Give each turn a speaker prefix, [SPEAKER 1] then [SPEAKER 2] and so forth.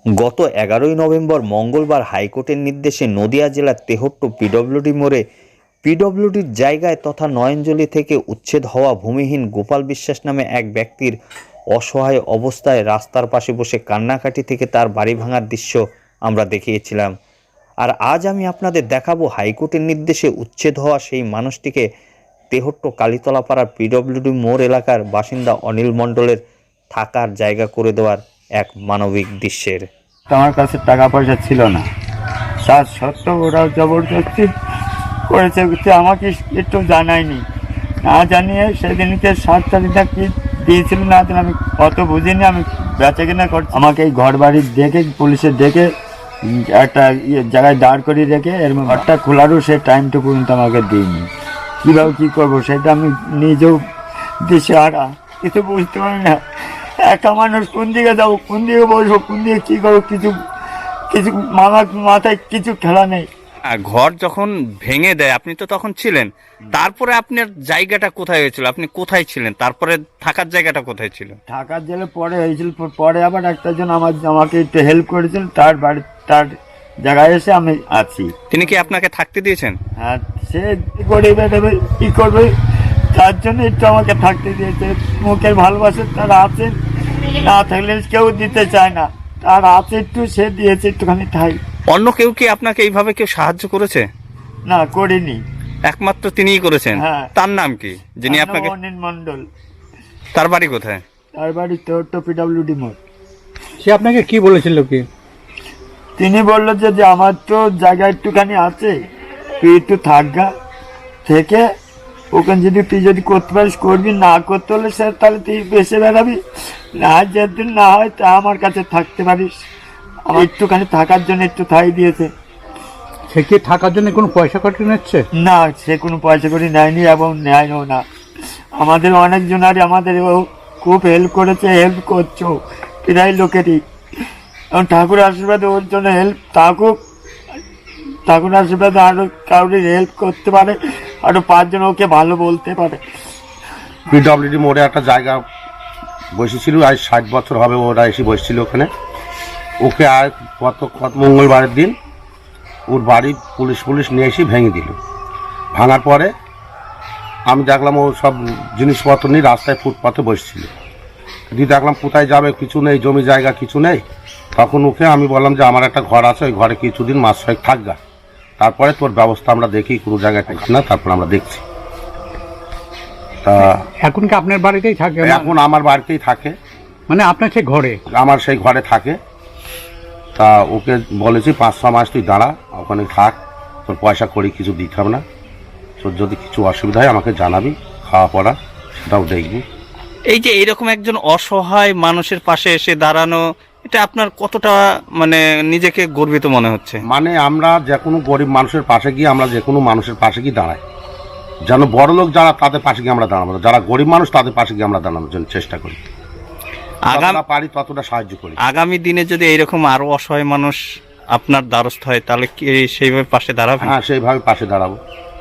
[SPEAKER 1] গত 11ই নভেম্বর মঙ্গলবার হাইকোর্টের নির্দেশে নদিয়া জেলার তেহট্ট পিডব্লিউডি মোড়ে পিডব্লিউডির জায়গায় তথা নয়নজলি থেকে উচ্ছেদ হওয়া ভূমিহীন গোপাল বিশ্বাস নামে এক ব্যক্তির অসহায় অবস্থায় রাস্তার পাশে বসে কান্নাকাটি থেকে তার বাড়ি ভাঙার দৃশ্য আমরা দেখিয়েছিলাম। আর আজ আমি আপনাদের দেখাবো হাইকোর্টের নির্দেশে উচ্ছেদ হওয়া সেই মানুষটিকে তেহট্ট কালীতলাপাড়ার পিডব্লিউডি মোড় এলাকার বাসিন্দা অনিল মণ্ডলের থাকার জায়গা করে দেওয়ার এক মানবিক দৃশ্যের।
[SPEAKER 2] আমার কাছে টাকা পয়সা ছিল না, তার সত্ত্বেও ওরা জবরদস্তি করেছে, আমাকে একটু জানায়নি, না জানিয়ে সেদিনকে 7 তারিখটা কি দিয়েছিল না আমি অত বুঝিনি। আমি বেচা কেনা করছি, আমাকে এই ঘর বাড়ি দেখে পুলিশে ডেকে একটা জায়গায় দাঁড় করিয়ে রেখে এর ঘরটা খোলারও সে টাইমটুকু কিন্তু আমাকে দিইনি। কীভাবে কী করবো সেটা আমি নিজেও দিশেহারা, কিছু বুঝতে পারি না। একা মানুষ, কোন দিকে যাবো, কোন দিকে বসবো, কোন দিকে কী করবো, কিছু মাথায় কিছু খেলা নেই।
[SPEAKER 3] ঘর যখন ভেঙে দেয় আপনি তো তখন ছিলেন, তারপরে আপনার জায়গাটা কোথায় হয়েছিল, আপনি কোথায় ছিলেন, তারপরে থাকার জায়গাটা কোথায় ছিল?
[SPEAKER 2] ঢাকার জেলে পরে হয়েছিল, পরে আবার একটাজন আমাকে একটু হেল্প করেছিল, তার জায়গায় এসে আমি আছি।
[SPEAKER 3] তিনি কি আপনাকে থাকতে দিয়েছেন?
[SPEAKER 2] হ্যাঁ, সে গরিবে দেবে কী করবে, তার জন্য একটু আমাকে থাকতে দিয়েছে। মুখের ভালোবাসে তারা আছে, না থাকলে কেউ দিতে চায় না, তার আছে একটু, সে দিয়েছে একটুখানি ঠাই।
[SPEAKER 3] অন্য কেউ কি আপনাকে এইভাবে কেউ সাহায্য করেছে?
[SPEAKER 2] না, করিনি,
[SPEAKER 3] একমাত্র তিনিই করেছেন।
[SPEAKER 2] হ্যাঁ।
[SPEAKER 3] তার নাম কি, যিনি আপনাকে?
[SPEAKER 2] অনিল মণ্ডল।
[SPEAKER 3] তার বাড়ি কোথায়?
[SPEAKER 2] তার বাড়ি তেহট্ট পিডব্লিউডি মোড়।
[SPEAKER 4] সে আপনাকে কি বলেছিল কি?
[SPEAKER 2] তিনি বললো যে আমার তো জায়গা একটুখানি আছে, তুই একটু থাকগা, থেকে ওখানে যদি তুই যদি করতে পারিস করবি, না করতে হলে স্যার তাহলে তুই বেসে বেড়াবি, না যেদিন না হয় তা আমার কাছে থাকতে পারিস। আমার একটুখানি থাকার জন্য একটু ঠাই দিয়েছে।
[SPEAKER 4] সে কি থাকার জন্য কোনো পয়সা কাটিয়ে নিচ্ছে?
[SPEAKER 2] না, সে কোনো পয়সা করে নেয়নি এবং নেয়ও না। আমাদের অনেকজনারই আমাদের ও খুব হেল্প করেছে, হেল্প করছো প্রায় লোকেরই, এবং ঠাকুর আশীর্বাদে ওর জন্য হেল্প থাকুক। ঠাকুর আশীর্বাদে আরও কাউরি হেল্প করতে পারে, আরও 5 জন ওকে ভালো বলতে পারে।
[SPEAKER 5] পিডব্লিউডি মোড়ে একটা জায়গা বসেছিল, আজ 60 বছর হবে ওরা এসে বসছিল ওখানে। ওকে আর কত মঙ্গলবারের দিন ওর বাড়ি পুলিশ নিয়ে এসে ভেঙে দিল। ভাঙার পরে আমি দেখলাম ও সব জিনিসপত্র নিয়ে রাস্তায় ফুটপাথে বসছিল। দিয়ে দেখলাম কোথায় যাবে, কিছু নেই, জমি জায়গা কিছু নেই। তখন ওকে আমি বললাম যে আমার একটা ঘর আছে, ওই ঘরে কিছুদিন মাস 6 থাকগা, তারপরে তোর ব্যবস্থা আমরা দেখি, কোনো জায়গায় থাকি না, তারপর আমরা দেখছি। তা
[SPEAKER 4] এখন কি আপনার বাড়িতেই থাকে?
[SPEAKER 5] এখন আমার বাড়িতেই থাকে,
[SPEAKER 4] মানে আপনার সেই ঘরে?
[SPEAKER 5] আমার সেই ঘরে থাকে। তা ওকে বলেছি 5-6 মাস তুই দাঁড়া, ওখানে থাক, তোর পয়সা করি কিছু দিতে হবে না, তোর যদি কিছু অসুবিধা হয় আমাকে জানাবি, খাওয়া পড়া সেটাও দেখবি।
[SPEAKER 3] এই যে এইরকম একজন অসহায় মানুষের পাশে এসে দাঁড়ানো, এটা আপনার কতটা মানে নিজেকে গর্বিত মনে হচ্ছে?
[SPEAKER 5] মানে আমরা যে কোনো গরিব মানুষের পাশে গিয়ে, আমরা যে কোনো মানুষের পাশে গিয়ে দাঁড়াই, যেন বড় লোক যারা তাদের পাশে গিয়ে আমরা দাঁড়াবো, যারা গরিব মানুষ তাদের পাশে গিয়ে আমরা দাঁড়ানোর জন্য চেষ্টা করি, যতটা পারি ততটা সাহায্য করি।
[SPEAKER 3] আগামী দিনে যদি এইরকম আরো অসহায় মানুষ আপনার দ্বারস্থ হয় তাহলে কি সেইভাবে পাশে দাঁড়াবেন?
[SPEAKER 5] হ্যাঁ, সেইভাবে পাশে দাঁড়াবো।